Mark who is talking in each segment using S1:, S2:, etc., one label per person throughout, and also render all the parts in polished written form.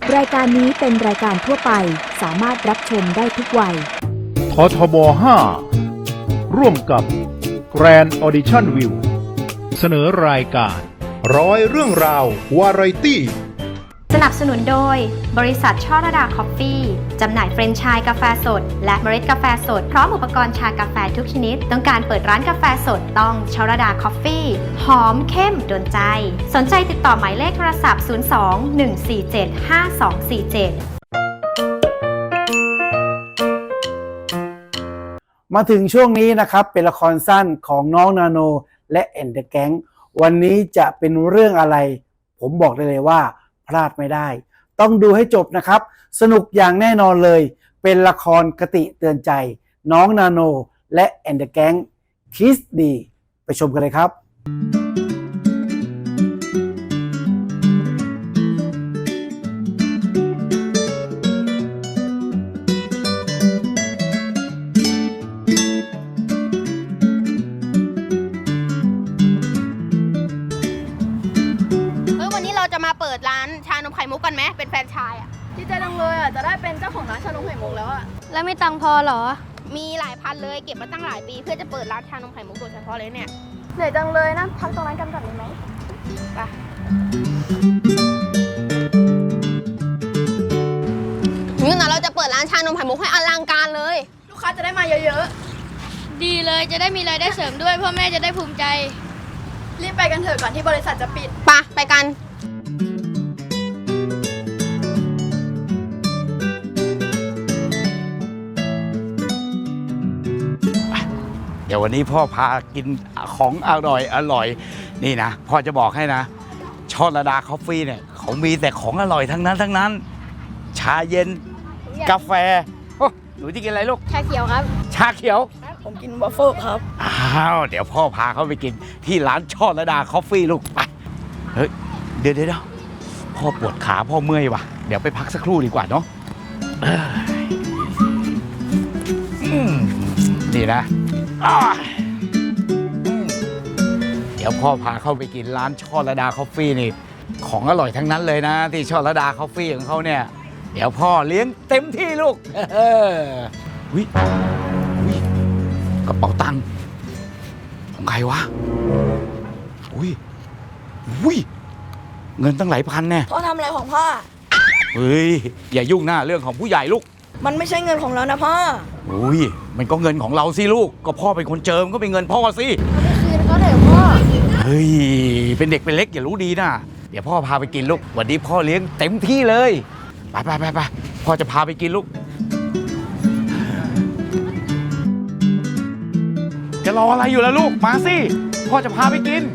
S1: รายการนี้เป็นรายการทั่วไปสามารถรับชมได้ทุกวัย
S2: ททบ 5 ร่วมกับ Grand Audition View เสนอรายการ
S3: ร้อยเรื่องราววาไรตี้
S4: สนับสนุนโดยบริษัทช่อระดาคอฟฟี่จำหน่ายเฟรนไชส์กาแฟสดและเมล็ดกาแฟสดพร้อมอุปกรณ์ชากาแฟทุกชนิดต้องการเปิดร้านกาแฟสดต้องช่อระดาคอฟฟี่หอมเข้มโดนใจสนใจติดต่อหมายเลขโทรศัพท์ 02-147-5247
S5: มาถึงช่วงนี้นะครับเป็นละครสั้นของน้องนาโนและแอนเดอะแก๊งวันนี้จะเป็นเรื่องอะไรผมบอกได้เลยว่าพลาดไม่ได้ต้องดูให้จบนะครับสนุกอย่างแน่นอนเลยเป็นละครคติเตือนใจน้องนาโนและแอนเดอะแก๊งคิสดีไปชมกันเลยครับ
S6: จะมาเปิดร้านชานมไข่มุกกันไหมเป็นแฟรนไชส์อ่ะ
S7: ดีใจจังเลยอ่ะจะได้เป็นเจ้าของร้านชานมไข่มุกแล้วอ่ะ
S6: แล้วไม่ตังพอเหรอมีหลายพันเลยเก็บมาตั้งหลายปีเพื่อจะเปิดร้านชานมไข่มุกโดยเฉพาะเลยเนี่ย
S7: เหนื่อยจังเลยนะพักตรงนั้นกันก่อนได้ไหม
S6: ไปงั้นเราจะเปิดร้านชานมไข่มุกให้อลังการเลย
S7: ลูกค้าจะได้มาเยอะ
S8: ๆดีเลยจะได้มีรายได้เสริมด้วยพ่อแม่จะได้ภูมิใจ
S7: รีบไปกันเถอะก่อนที่บริษัทจะปิด
S6: ไปกัน
S9: เดี๋ยววันนี้พ่อพากินของอร่อยนี่นะพ่อจะบอกให้นะช่อระดาคอฟฟี่เนี่ยเขามีแต่ของอร่อยทั้งนั้นชาเย็นกาแฟหนูจะกินอะไรลูก
S7: ชาเขียวครับ
S9: ชาเขียว
S7: ผมกินวอฟเฟิลครับ
S9: อ้าวเดี๋ยวพ่อพาเขาไปกินที่ร้านช่อระดาคอฟฟี่ลูกไปเฮ้ยเดี๋ยวพ่อปวดขาพ่อเมื่อยว่ะเดี๋ยวไปพักสักครู่ดีกว่าเนาะนี่นะเดี๋ยวพ่อพาเข้าไปกินร้านช่อระดาคอฟฟี่นี่ของอร่อยทั้งนั้นเลยนะที่ช่อระดาคอฟฟี่ของเขาเนี่ยเดี๋ยวพ่อเลี้ยงเต็มที่ลูกวิกระเป๋าตังค์ของใครวะวิเงินตั้งหลายพันแน่
S7: พ่อทำอะไรของพ่อ
S9: เฮ้ยอย่ายุ่งหน้าเรื่องของผู้ใหญ่ลูก
S7: มันไม่ใช่เงินของเรานะพ่อ
S9: มันก็เงินของเราสิลูกก็พ่อเป็นคนเจิมก็เป็นเงินพ่อสิ
S7: คืนก็เถอะพ่อ
S9: เฮ้ยเป็นเด็กเป็นเล็กอย่ารู้ดีนะเดี๋ยวพ่อพาไปกินลูกวันนี้พ่อเลี้ยงเต็มที่เลยไปพ่อจะพาไปกินลูกจะรออะไรอยู่ล่ะลูกมาสิพ่อจะพาไปกิน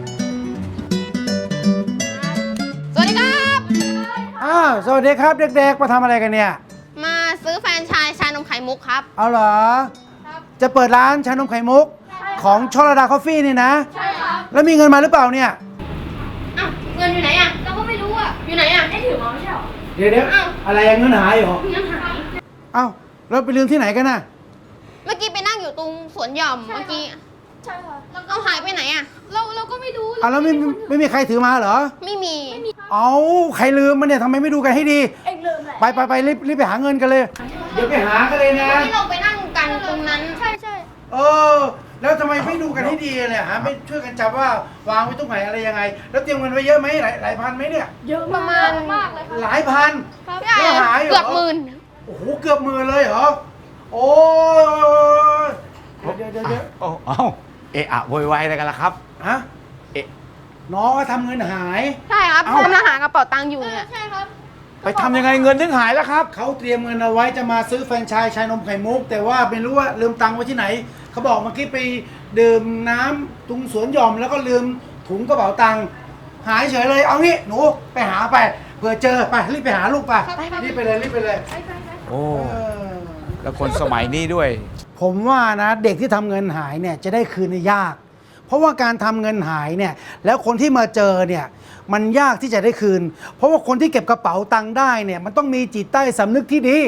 S6: สวัสดีครับ
S5: สวัสดีครับเด็กๆมาทำอะไรกันเนี่ย
S6: มาซื้อแฟรนไชส์ชานมไข่มุกครับ
S5: เอาเหรอจะเปิดร้านชานมไข่มุกของช่อระดาคอฟฟี่นี่นะ
S6: ใช่ครับ
S5: แล้วมีเงินมาหรือเปล่าเนี่ย
S6: เงินอยู่ไหนอ่ะเราก็ไม่รู้อ่ะอยู่ไหนอ่ะได้ถือมาไม่ใช่หรอ
S5: เดี๋ยวอะไรเงินหายเหรอ
S6: เงินหาย
S5: เราไปลืมที่ไหนกันน่ะ
S6: เมื่อกี้ไปนั่งอยู่ตรงสวนหย่อมเมื่อกี้
S7: ใช่ค่ะ
S6: เราหายไปไหนอ่ะ
S8: เราก็ไม่รู้
S5: แล้วไม่มีใครถือมาเหรอ
S6: ไม่มี
S5: ใครลืมมันเนี่ยทำไมไม่ดูกันให้ดี
S7: เอ็งลืมแหละ
S5: ไปรีบไปหาเงินกันเลยเดี๋ยวไปหากันเลยนะ
S6: ที่เราไปนั่งกันตรงนั้น
S7: ใช่
S5: แล้วทำไมไม่ดูกันให้ดีเลยฮะไม่ช่วยกันจับว่าวางไว้ตรงไหนอะไรยังไงแล้วเตรียมเงินไว้เยอะไหมหลายพันไหมเนี่ย
S7: เยอะ
S6: ประมาณ
S7: มากเลย
S5: หลายพัน
S6: แล้วหายเกือบหมื่น
S5: โอ้โหเกือบหมื่นเลยเหรอโอ้ยเดี๋ยว
S9: อะโวยวายอะไรกันล่ะครับ
S5: ฮะน้องก็ทำเงินหาย
S6: ใช่ครับกำลังหากระเป๋าตังค์อยู่เนี่ย
S7: ใช่ครับ
S9: ไปทำยังไงเงินถึงหายแล้วครับ
S5: เขาเตรียมเงินเอาไว้จะมาซื้อแฟรนไชส์ชานมไข่มุกแต่ว่าไม่รู้ว่าลืมตังค์ไว้ที่ไหนเขาบอกเมื่อกี้ไปดื่มน้ำตรงสวนหย่อมแล้วก็ลืมถุงกระเป๋าตังค์หายเฉยเลยเอางี้หนูไปหาไปเผื่อเจอไปรีบไปหาลูกไปรีบไปเลย
S9: โอ้แล้วคนสมัยนี้ด้วย
S5: ผมว่านะเด็กที่ทำเงินหายเนี่ยจะได้คืนยากเพราะว่าการทำเงินหายเนี่ยแล้วคนที่มาเจอเนี่ยมันยากที่จะได้คืนเพราะว่าคนที่เก็บกระเป๋าตังค์ได้เนี่ยมันต้องมีจิตใต้สำนึกที่ดี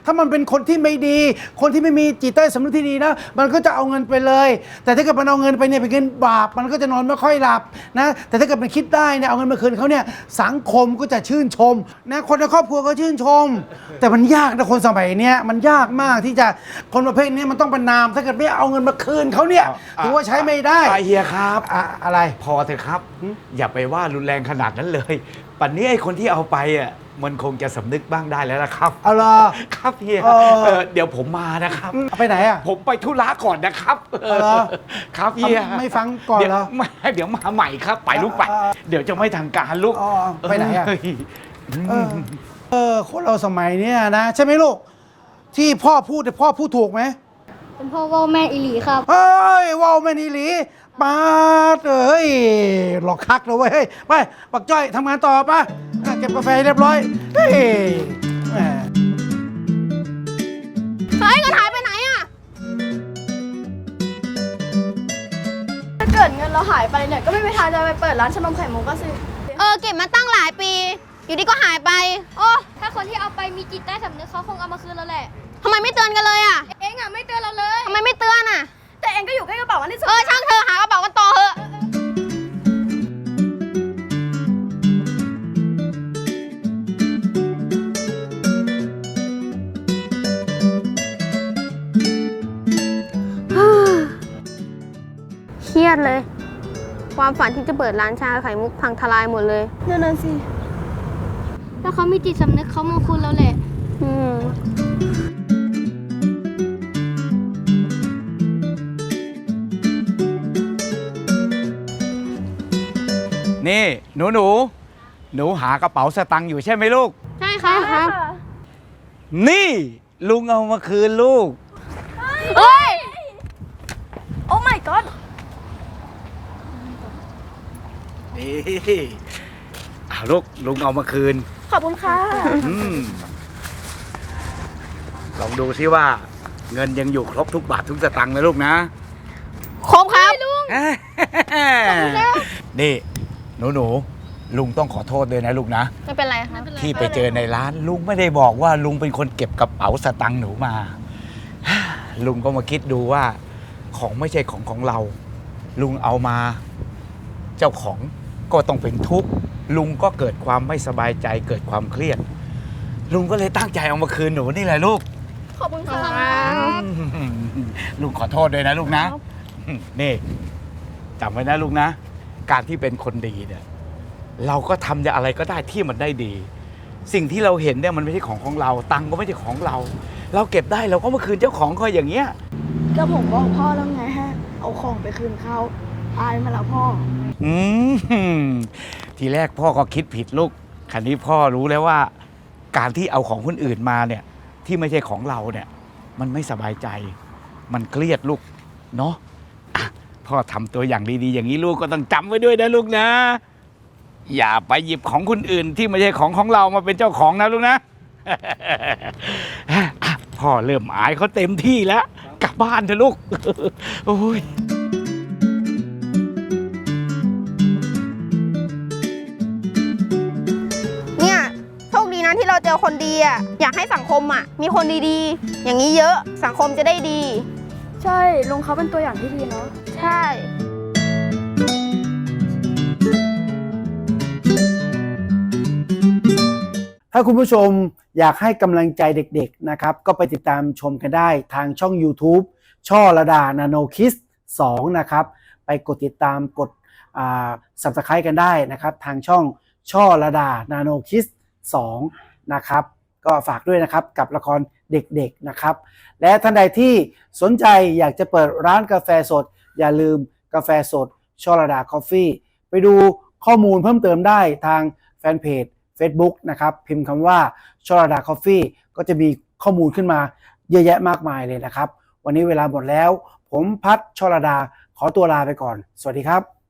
S5: ถ้ามันเป็นคนที่ไม่ดี คนที่ไม่มีจิตใต้สำนึกที่ดีนะมันก็จะเอาเงินไปเลยแต่ถ้าเกิดมันเอาเงินไปเนี่ยเป็นเงินบาปมันก็จะนอนไม่ค่อยหลับนะแต่ถ้าเกิดมันคิดได้เนี่ยเอาเงินมาคืนเขาเนี่ยสังคมก็จะชื่นชมนะคนในครอบครัวก็ชื่นชมแต่มันยากนะคนสมัยเนี้ยมันยากมากที่จะคนประเภทนี้มันต้องประนามถ้าเกิดไม่เอาเงินมาคืนเขาเนี่ยถือว่าใช้ไม่ได้
S9: เฮียครับ
S5: อะไร
S9: พอเถอะครับ อย่าไปว่ารุนแรงขนาดนั้นเลยปัจจุบันนี้ไอ้คนที่เอาไปอ่ะมันคงจะสำนึกบ้างได้แล้วล่ะครับ
S5: เอาล่ะ
S9: ครับเฮีย เดี๋ยวผมมานะครับ
S5: เอาไปไหนอ่ะ
S9: ผมไปธุระก่อนนะครับ
S5: เอาเหรอ
S9: ครับเฮีย
S5: ไม่ฟังก่อนเหรอ
S9: เดี๋ยวมาใหม่ครับ ไปลูกไป เดี๋ยวจะไม่ทางการลูก
S5: อ๋อไปไหนอ่ะ
S9: เฮ้ย
S5: คนเราสมัยเนี้ยนะใช่ไหมลูกที่พ่อพูดแต่พ่อพูดถูกไหม
S8: เป็นพ่อว่าแม่อีหลีครับ
S5: เฮ้ยว่าวแม่นีหลีปาดเอ้ยหลอกคักเลยเว้ยเฮ้ยไปปักจ้อยทำงานต่อป่ะเก็บกาแฟให้เรียบร้อยเฮ้ยแหม
S6: เฮ้ยเงินหายไปไหนอ่ะ
S7: ถ้าเกิดเงินเราหายไปเนี่ยก็ไม่มีทางจะไปเปิดร้านชานมไข่มุกก็สิ
S6: เก็บมาตั้งหลายปี อยู่ดีก็หายไป โอ้
S8: ถ้าคนที่เอาไปมีจิตใต้สำนึกเขาคงเอามาคืนเราแหละ
S6: ทำไมไม่เตือนกันเลยอ่ะ
S8: เองอ่ะไม่เตือนเราเลย
S6: ทำไมไม่เตือนอ่ะ
S7: แต่เองก็อยู่ใกล้กระเป๋าอันที่สุด
S6: ช่างเธอหากระเป๋ากันต่อเถอะ เครียดเลย ความฝันที่จะเปิดร้านชาไข่มุกพังทลายหมดเลย
S7: นั่นสิ
S8: ถ้าเขามีจิตสำนึกเขามาคืนเราแหละ
S9: นี่หนูหากระเป๋าสตังค์อยู่ใช่ไหมลูก
S8: ใช่ครับ
S9: นี่ลุงเอามาคืนลูก
S6: เฮ้ย
S7: โอ้ my god
S9: นี่ลูกลุงเอามาคืน
S7: ขอบคุณค่ะ
S9: ลองดูซิว่าเงินยังอยู่ครบทุกบาททุกสตังค์นะลูกนะ
S6: ครบครับลุง
S9: นี่หนูลุงต้องขอโทษด้วยนะลูกนะ
S6: ไม่เป็นไรครับ
S9: ที่ไปเจอในร้านลุงไม่ได้บอกว่าลุงเป็นคนเก็บกระเป๋าสตังค์หนูมา ลุงก็มาคิดดูว่าของไม่ใช่ของเรา ลุงเอามาเจ้าของก็ต้องเป็นทุกข์ลุงก็เกิดความไม่สบายใจเกิดความเครียด ลุงก็เลยตั้งใจเอามาคืนหนูนี่แหละลูก
S7: ขอบคุณค่ะ
S9: ลุงขอโทษด้วยนะลูกนะ นี่จำไว้นะลูกนะ การที่เป็นคนดีเนี่ยเราก็ทำอะไรก็ได้ที่มันได้ดี สิ่งที่เราเห็นเนี่ยมันไม่ใช่ของเราตังค์ก็ไม่ใช่ของเรา เราเก็บได้เราก็มาคืนเจ้าของเขาอย่างเงี้ย
S7: ก็ผมบอกพ่อแล้วไงฮะ เอาของไปคืนเขาอายมาแล้วพ่อ
S9: ทีแรกพ่อก็คิดผิดลูกคราวนี้พ่อรู้แล้วว่า การที่เอาของคนอื่นมาเนี่ยที่ไม่ใช่ของเราเนี่ยมันไม่สบายใจ มันเครียดลูกเนาะอ่ะพ่อทำตัวอย่างดีๆอย่างนี้ลูกก็ต้องจำไว้ด้วยนะลูกนะ อย่าไปหยิบของคนอื่นที่ไม่ใช่ของเรามาเป็นเจ้าของนะลูกนะ พ่อเริ่มอายเขาเต็มที่แล้วกลับบ้านเถอะลูก โอ้ย
S6: เนี่ยโชคดีนะที่เราเจอคนดีอ่ะ อยากให้สังคมอ่ะ มีคนดีๆ อย่างนี้เยอะสังคมจะได้ดี
S7: ใช่ลุงเขาเป็นตัวอย่างที่ดีเนาะ
S6: ใช่
S5: ถ้าคุณผู้ชมอยากให้กำลังใจเด็กๆนะครับก็ไปติดตามชมกันได้ทางช่อง YouTube ช่อระดานาโนคิส2นะครับไปกดติดตามกดSubscribe กันได้นะครับทางช่องช่อระดานาโนคิส2นะครับก็ฝากด้วยนะครับกับละครเด็กๆนะครับและท่านใดที่สนใจอยากจะเปิดร้านกาแฟสดอย่าลืมกาแฟสดช่อระดาคอฟฟี่ไปดูข้อมูลเพิ่มเติมได้ทางแฟนเพจFacebook นะครับพิมพ์คำว่าชลดาคอฟฟี่ก็จะมีข้อมูลขึ้นมาเยอะแยะมากมายเลยนะครับวันนี้เวลาหมดแล้วผมพัฒชลดาขอตัวลาไปก่อนสวัสดีครับ